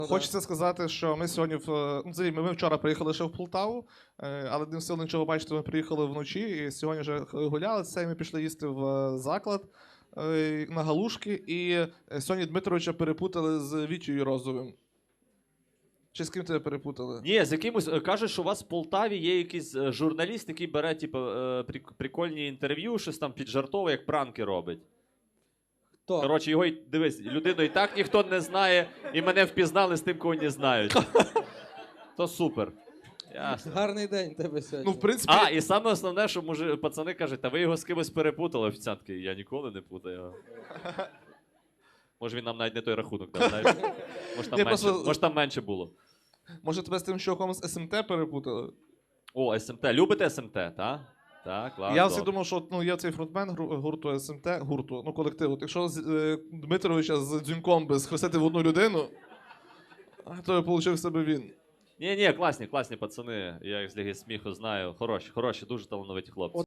Хочеться сказати, що ми сьогодні ми вчора приїхали ще в Полтаву, але не встигли нічого бачити, ми приїхали вночі і сьогодні вже гуляли. Це ми пішли їсти в заклад на галушки. І сьогодні Дмитровича перепутали з Вітєю Розовим. Чи з ким тебе перепутали? Ні, з якимось. Кажуть, що у вас в Полтаві є якийсь журналіст, який бере прикольні інтерв'ю, щось там піджартовує, як пранки робить. Хто? Коротше, його, дивись, людину і так ніхто не знає, і мене впізнали з тим, кого не знають. То супер. Ясно. Гарний день тебе сьогодні. Ну, в принципі... І саме основне, що пацани кажуть, та ви його з кимось перепутали, офіціантки. Я ніколи не путаю. Може він нам навіть не той рахунок дав, знаєш? Може там менше було. Може тебе з тим чуваком з СМТ перепутали? О, СМТ. Любите СМТ, так? Так, класно. Я всі думав, що є цей фронтмен гурту СМТ, колективу. Якщо Дмитровича з Дзюньком би схрестити в одну людину, то вийшов себе він. Ні, класні пацани. Я їх з Ліги Сміху знаю. Хороші, дуже талановиті хлопці.